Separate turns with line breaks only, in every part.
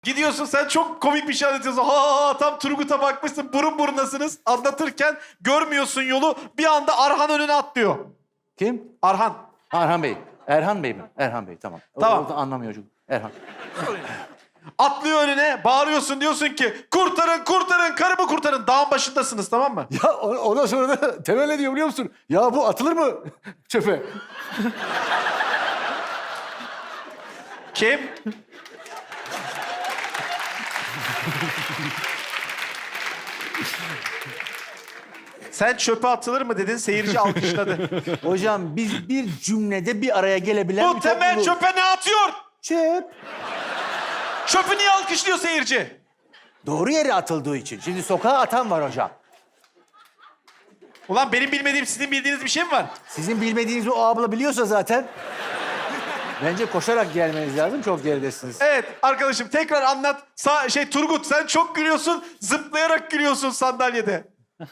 Gidiyorsun sen çok komik bir şey anlatıyorsun. Ha tam Turgut'a bakmışsın burun burunasınız. Anlatırken görmüyorsun yolu. Bir anda Arhan önüne atlıyor.
Kim?
Arhan.
Erhan Bey. Erhan Bey mi? Erhan Bey, tamam.
Tamam.
O da anlamıyor çocuk. Erhan.
Atlıyor önüne bağırıyorsun diyorsun ki kurtarın kurtarın karımı kurtarın. Dağın başındasınız tamam mı?
Ya ondan sonra da Temel ne diyor biliyor musun? Ya bu atılır mı çöpe?
Kim? Sen çöpe atılır mı dedin seyirci alkışladı.
Hocam biz bir cümlede bir araya gelebilen
Bu
bir
Temel
topluluğuz.
çöpe ne atıyor?
Çöp.
Çöpü niye alkışlıyor seyirci?
Doğru yere atıldığı için. Şimdi sokağa atan var hocam.
Ulan benim bilmediğim sizin bildiğiniz bir şey mi var?
Sizin bilmediğinizi o abla biliyorsa zaten... Bence koşarak gelmeniz lazım. Çok geridesiniz.
Evet arkadaşım tekrar anlat. Turgut sen çok gülüyorsun. Zıplayarak gülüyorsun sandalyede.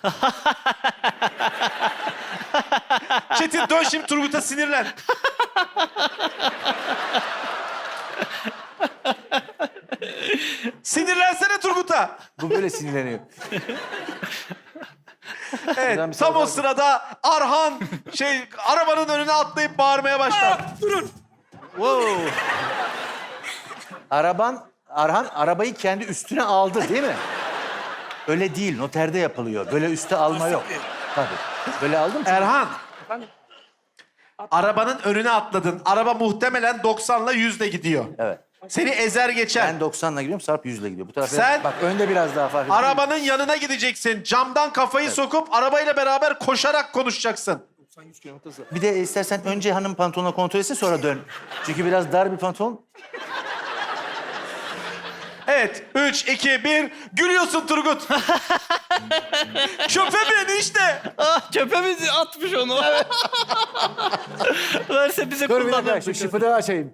Çetin dön şimdi Turgut'a sinirlen. Sinirlensene Turgut'a.
Bu böyle sinirleniyor.
Evet
Buradan bir
tam o
salak-
sırada Arhan arabanın önüne atlayıp bağırmaya başlar.
Durun.
Wow. Arhan arabayı kendi üstüne aldı değil mi? Öyle değil, noterde yapılıyor. Böyle üste alma yok. Tabii. Böyle aldım.
Erhan.
Efendim?
Arabanın önüne atladın. Araba muhtemelen 90'la 100'le gidiyor.
Evet.
Seni ezer geçer.
Ben 90'la gidiyorum, Sarp 100'le gidiyor. Bu tarafa
Sen-
bak önde biraz daha fark ediyor.
Arabanın yanına gideceksin. Camdan kafayı sokup arabayla beraber koşarak konuşacaksın.
90-100 kilometre hızla.
Bir de istersen önce hanım pantolonuna kontrol etsin sonra dön. Çünkü biraz dar bir pantolon.
Evet. 3, 2, 1. Gülüyorsun Turgut. Çöpe bin işte.
Ah çöpe mi atmış onu? Verse bize
Dur bir dakika, şu
kullanırdık.
şıpıdağı açayım.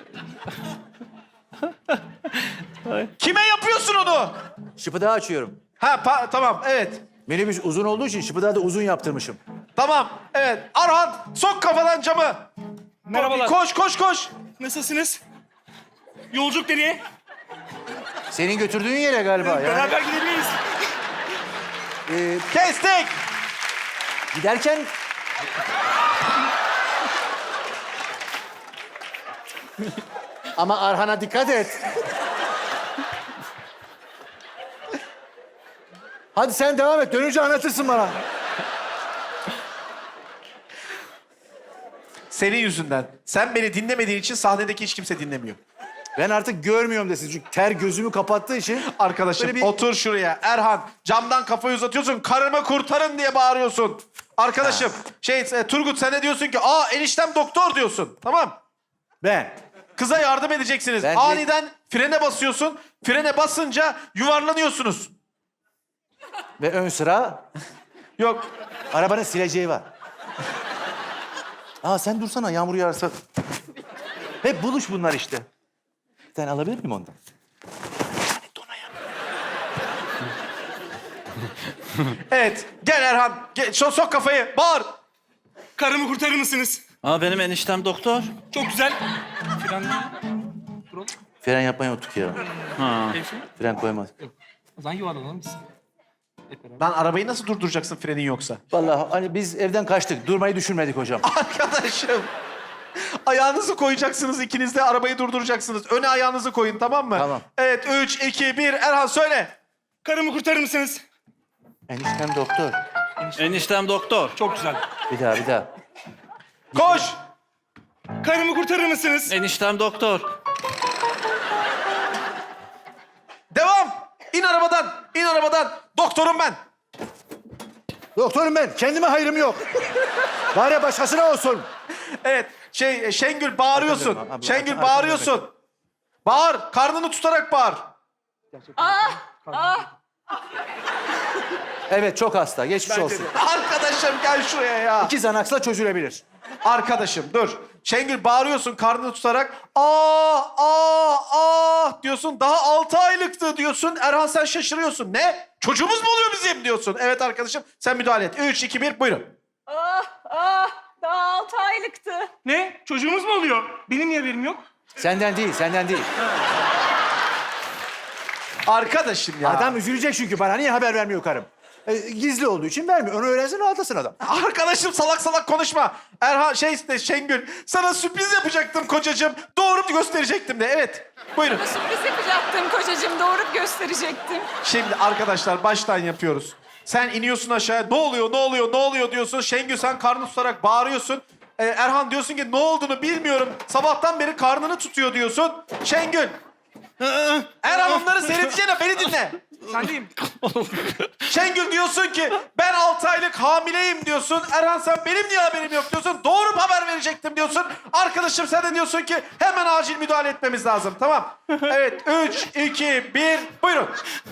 Kime yapıyorsun onu?
Şıpıdağı açıyorum.
Tamam. Evet.
Minibüs uzun olduğu için şıpıdağı da uzun yaptırmışım.
Tamam. Evet. Arhan sok kafadan camı.
Merhabalar.
Koş.
Nasılsınız? Yolculuk nereye?
Senin götürdüğün yere galiba. Yani,
Beraber gidebiliriz.
Kestik.
giderken... Ama Arhan'a dikkat et. Hadi sen devam et. Dönünce anlatırsın bana.
Senin yüzünden. Sen beni dinlemediğin için sahnedeki hiç kimse dinlemiyor.
Ben artık görmüyorum desin. Çünkü ter gözümü kapattığı için...
Arkadaşım
Böyle bir-
otur şuraya. Erhan camdan kafayı uzatıyorsun. Karımı kurtarın diye bağırıyorsun. Arkadaşım Turgut sen ne diyorsun ki? Eniştem doktor diyorsun. Tamam.
Ben.
Kıza yardım edeceksiniz.
Bence-
Aniden frene basıyorsun. Frene basınca yuvarlanıyorsunuz.
Ve ön sıra
Yok.
arabanın sileceği var. Sen dursana yağmur yağarsa. Hep buluş bunlar işte. Bir tane alabilir miyim ondan?
Evet. Gel Erhan. Gel, sok kafayı. Bağır.
Karımı kurtarır mısınız?
Aa benim eniştem doktor.
Çok güzel. Fren...
Fren yapmayı unuttuk ya.
Hemşire.
Fren koymaz.
O zaman yuvarlanalım biz. Hep beraber.
Lan arabayı nasıl durduracaksın frenin yoksa?
Vallahi hani biz evden kaçtık. Durmayı düşünmedik hocam.
Arkadaşım. Ayağınızı koyacaksınız ikiniz de arabayı durduracaksınız. Öne ayağınızı koyun tamam mı?
Tamam.
Evet 3, 2, 1. Erhan söyle.
Karımı kurtarır mısınız?
Eniştem doktor.
Eniştem doktor.
Çok güzel.
Bir daha.
Koş.
Karımı kurtarır mısınız?
Eniştem doktor.
Devam. İn arabadan. Doktorum ben.
Doktorum ben. Kendime hayrım yok. Bari başkasına olsun.
Evet. Şengül bağırıyorsun.
Abla,
Şengül
abla,
bağırıyorsun. Bağır. Karnını tutarak bağır.
Evet çok hasta. Geçmiş olsun.
Arkadaşım gel şuraya ya.
2 Xanax'la çözülebilir.
Arkadaşım dur. Şengül bağırıyorsun karnını tutarak. Diyorsun. Daha 6 aylıktı diyorsun. Erhan sen şaşırıyorsun. Ne? Çocuğumuz mu oluyor bizim diyorsun. Evet arkadaşım sen müdahale et. 3, 2, 1 buyurun.
Daha 6 aylıktı.
Ne? Çocuğumuz mu oluyor? Benim niye haberim yok?
Senden değil.
Arkadaşım ya.
Adam üzülecek çünkü bana niye haber vermiyor karım? Gizli olduğu için vermiyor. Onu öğrensin rahatlasın adam.
Arkadaşım salak salak konuşma. Erhan Şengül sana sürpriz yapacaktım kocacığım. Doğurup gösterecektim de. Evet. Buyurun.
Sürpriz yapacaktım kocacığım, doğurup gösterecektim.
Şimdi arkadaşlar baştan yapıyoruz. Sen iniyorsun aşağıya. Ne oluyor, ne oluyor, ne oluyor diyorsun. Şengül sen karnını tutarak bağırıyorsun. Erhan diyorsun ki ne olduğunu bilmiyorum. Sabahtan beri karnını tutuyor diyorsun. Şengül. Erhan onları seyredeceğine beni dinle.
Sendeyim.
Şengül diyorsun ki ben 6 aylık hamileyim diyorsun. Erhan sen benim niye haberim yok diyorsun. Doğurup haber verecektim diyorsun. Arkadaşım sen de diyorsun ki hemen acil müdahale etmemiz lazım. Tamam. Evet 3, 2, 1 buyurun.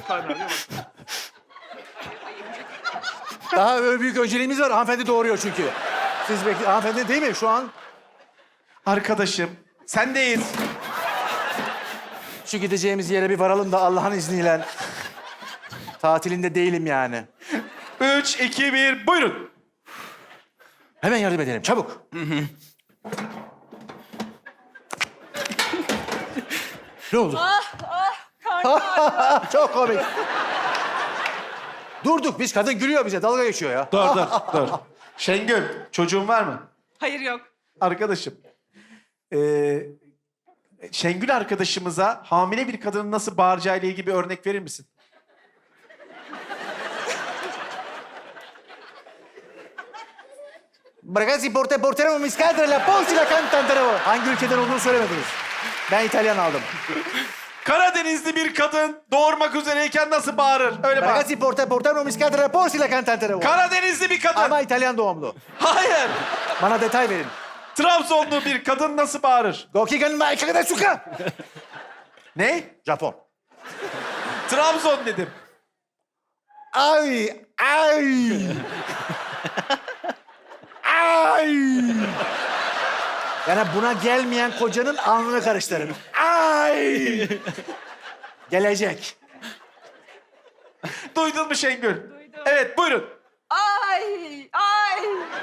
Daha büyük önceliğimiz var. Hanımefendi doğuruyor çünkü. Siz hanımefendi değil mi şu an?
Arkadaşım sendeyiz.
Şu gideceğimiz yere bir varalım da Allah'ın izniyle. Tatilinde değilim yani.
3, 2, 1 buyurun.
Hemen yardım edelim çabuk. Ne oldu?
Karnım ağrıyor.
Çok komik. Durduk biz kadın gülüyor bize dalga geçiyor ya.
Dur. Şengül çocuğun var mı?
Hayır yok.
Arkadaşım. Şengül arkadaşımıza hamile bir kadının nasıl bağıracağı ile ilgili bir örnek verir misin?
Ragazzi porteremo mi scadere la posti la cantantero. Hangi ülkeden olduğunu söylemediniz. Ben İtalyan aldım.
Karadenizli bir kadın doğurmak üzereyken nasıl bağırır? Öyle bağır.
Ragazzi porteremo mi scadere la posti la cantantero.
Karadenizli bir kadın.
Ama İtalyan doğumlu.
Hayır.
Bana detay verin.
Trabzonlu bir kadın nasıl bağırır?
Gokigan maikagada suka.
Ne?
Japon.
Trabzon dedim.
Ay, ay. Ay. Yani buna gelmeyen kocanın alnını karıştırın. Ay. Gelecek.
Duydun mu Şengül?
Duydum.
Evet buyurun.
Ay, ay.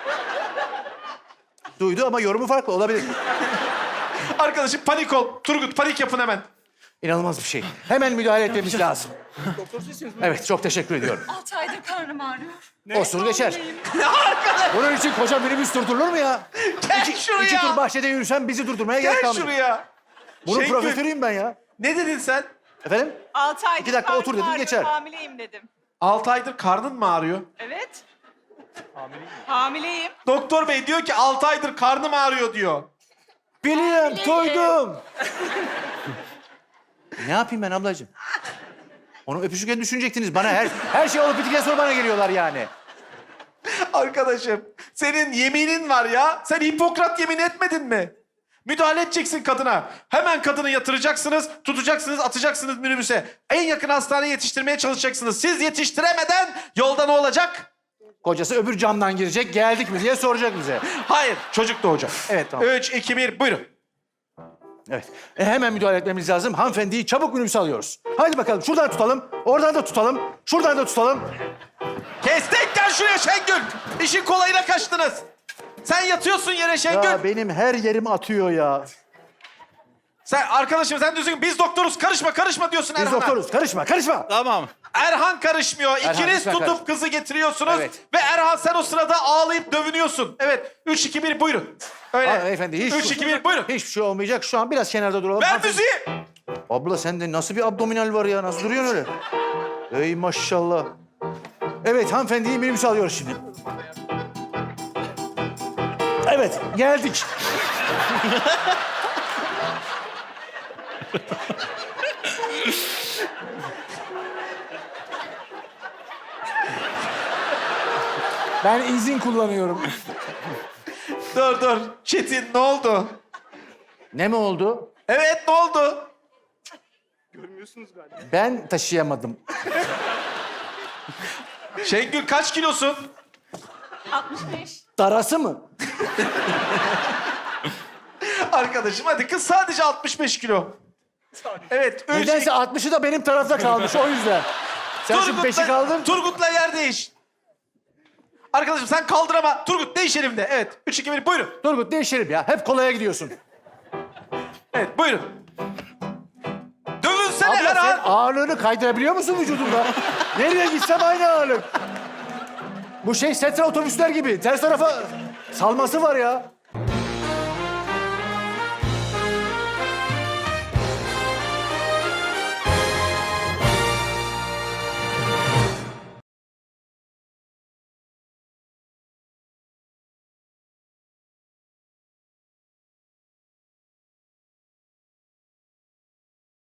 Duydu ama yorumu farklı olabilir.
Arkadaşım panik ol. Turgut panik yapın hemen.
İnanılmaz bir şey. Hemen müdahale etmemiz lazım. Evet, çok teşekkür ediyorum.
6 aydır karnım ağrıyor.
Olsun geçer.
Hamileyim.
Bunun için koca minibüs durdurulur mu ya?
Gel şuraya.
2 tur bahçede yürüsem bizi durdurmaya gerek
Gel
kalmıyor.
şuraya.
Bunun
Şengül,
profesörüyüm ben ya.
ne dedin sen?
Efendim?
6 aydır
2 dakika
karnım
otur dedim,
ağrıyor,
geçer.
Hamileyim dedim.
6 aydır karnın mı ağrıyor?
Evet. Hamileyim.
Doktor bey diyor ki 6 aydır karnım ağrıyor diyor.
Biliyorum, duydum. Ne yapayım ben ablacığım? Onu öpüşürken düşünecektiniz. Bana her şey olup bittikten sonra bana geliyorlar yani.
Arkadaşım senin yeminin var ya. Sen Hipokrat yemin etmedin mi? Müdahale edeceksin kadına. Hemen kadını yatıracaksınız, tutacaksınız, atacaksınız minibüse. En yakın hastaneye yetiştirmeye çalışacaksınız. Siz yetiştiremeden yolda ne olacak?
Kocası öbür camdan girecek, geldik mi diye soracak bize.
Hayır, çocuk doğacak.
Evet, tamam.
3, 2, 1, buyurun.
Evet. Hemen müdahale etmemiz lazım. Hanımefendiyi çabuk minibüse alıyoruz. Hadi bakalım şuradan tutalım, oradan da tutalım, şuradan da tutalım.
Kestek gel şuraya Şengül. İşin kolayına kaçtınız. Sen yatıyorsun yere Şengül.
Ya benim her yerim atıyor ya.
Sen arkadaşım sen diyorsun ki biz doktoruz karışma diyorsun
Biz
Erhan'a.
doktoruz. Karışma, karışma.
Tamam.
Erhan karışmıyor. İkiniz
lütfen
tutup
karışma.
kızı getiriyorsunuz.
Evet.
Ve Erhan sen o sırada ağlayıp dövünüyorsun. Evet. 3, 2, 1 buyurun. Öyle.
Aa, beyefendi, hiç-
3, 2, 1 buyurun.
Hiçbir şey olmayacak. Şu an biraz kenarda duralım.
Ver
Hanımefendi-
müziği.
Abla sende nasıl bir abdominal var ya? Nasıl duruyorsun öyle? Ey maşallah. Evet, hanımefendiyi minibüse alıyoruz şimdi. Evet, geldik. Ben izin kullanıyorum.
Dur. Çetin ne oldu?
Ne mi oldu?
Evet ne oldu?
Görmüyorsunuz galiba.
Ben taşıyamadım.
Şengül kaç kilosun?
65.
Darası mı?
Arkadaşım hadi kız sadece 65 kilo. Evet. 3,
Nedense 60'ı da benim tarafta kalmış o yüzden. Sen şu 5'i kaldır.
Turgut'la yer değiş. Arkadaşım sen kaldır Turgut değiş elimde. Evet. 3, 2, 1 buyurun.
Turgut değişelim ya. Hep kolaya gidiyorsun.
Evet buyurun. Dövün sen. Düşünsene
Abla sen
Erhan.
ağırlığını kaydırabiliyor musun vücudunda? Nereye gitsem aynı ağırlık. Bu şey setra otobüsler gibi. Ters tarafa salması var ya.